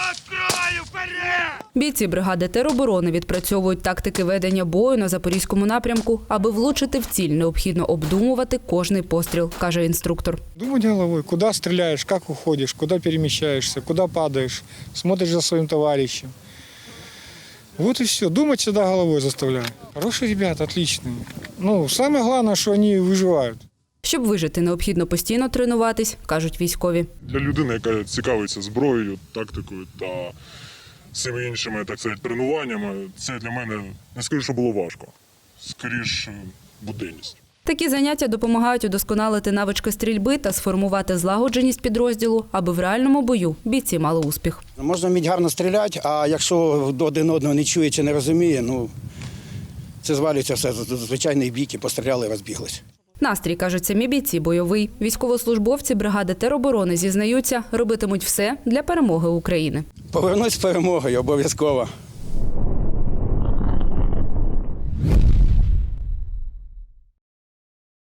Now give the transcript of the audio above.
Бійці бригади тероборони відпрацьовують тактики ведення бою на Запорізькому напрямку. Аби влучити в ціль, необхідно обдумувати кожний постріл, каже інструктор. Думать головой, куда стреляешь, как уходишь, куда перемещаешься, куда падаешь, смотришь за своим товарищем. Вот и все. Думать всегда головой заставляю. Хорошие ребята, отличные. Самое главное, что они выживают. Щоб вижити, необхідно постійно тренуватись, кажуть військові. Для людини, яка цікавиться зброєю, тактикою та всіми іншими, так сказати, тренуваннями, це для мене, не скажу, що було важко. Скоріше, буденність. Такі заняття допомагають удосконалити навички стрільби та сформувати злагодженість підрозділу, аби в реальному бою бійці мали успіх. Можна вміти гарно стріляти, а якщо один одного не чує чи не розуміє, це звалюється все, звичайний бійки, постріляли і розбіглись. Настрій, кажуть самі бійці, бойовий. Військовослужбовці бригади тероборони зізнаються, робитимуть все для перемоги України. Повернусь з перемогою обов'язково.